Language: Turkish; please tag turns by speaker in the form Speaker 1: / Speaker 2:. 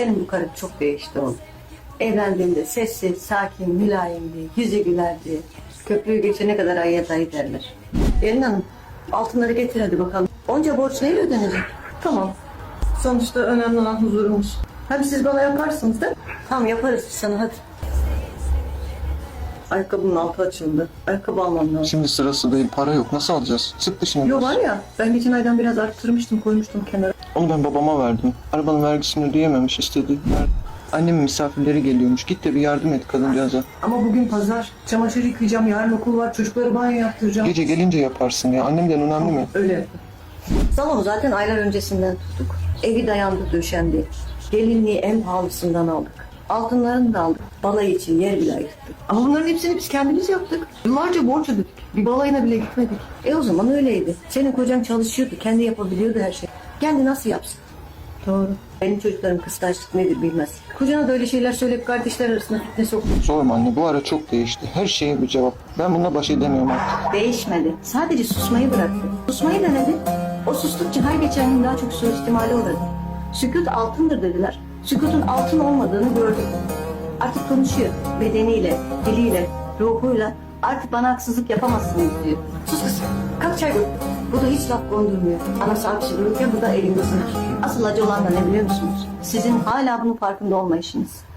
Speaker 1: Senin bu karın çok değişti oğlum. Evlendiğinde sessiz, sakin, mülayimdi, yüzü gülerdi. Köprüyü geçene kadar ayıya dayı derler. Gelin hanım, altınları getir hadi bakalım. Onca borç neyle ödenecek? Tamam. Sonuçta önemli olan huzurumuz. Hadi siz bana yaparsınız da. Tamam yaparız biz sana hadi. Ayakkabının altı açıldı. Ayakkabı almam lazım.
Speaker 2: Şimdi sırası değil, para yok. Nasıl alacağız? Sık dişini
Speaker 1: Yo
Speaker 2: biraz.
Speaker 1: var ya, ben geçen aydan biraz arttırmıştım, koymuştum kenara.
Speaker 2: Onu ben babama verdim. Arabanın vergisini ödeyememiş, istedi. Annemin misafirleri geliyormuş. Git de bir yardım et kadıncağıza.
Speaker 1: Ama bugün pazar, çamaşır yıkayacağım, yarın okul var, çocukları banyo yaptıracağım.
Speaker 2: Gece gelince yaparsın ya. Annemden önemli mi?
Speaker 1: Öyle yapın. Salonu zaten aylar öncesinden tuttuk. Evi dayandı döşendi. Gelinliği en pahalısından aldık. Altınlarını da aldık. Balayı için yer bile ayırttık. Ama bunların hepsini biz kendimiz yaptık. Yıllarca borç ödedik. Bir balayına bile gitmedik. O zaman öyleydi. Senin kocan çalışıyordu. Kendi yapabiliyordu her şeyi. Kendi nasıl yapsın? Doğru. Benim çocuklarım kıskançlık nedir bilmez. Kocana da öyle şeyler söyleyip kardeşler arasında fitne soktu.
Speaker 2: Sorma anne, bu ara çok değişti. Her şeye bir cevap. Ben bununla baş edemiyorum artık.
Speaker 1: Değişmedi. Sadece susmayı bıraktı. Susmayı denedi. O sustukça her geçen gün daha çok suistimale uğradı. Sükut altındır dediler. Sükutun altın olmadığını gördük. Artık konuşuyor. Bedeniyle, diliyle, ruhuyla. Artık bana haksızlık yapamazsınız diyor. Sus kız. Kalk çay koy. Bu da hiç laf kondurmuyor. Anası hapşırırken bu da elinde sınır. Asıl acı olan da ne biliyor musunuz? Sizin hala bunun farkında olmayışınız.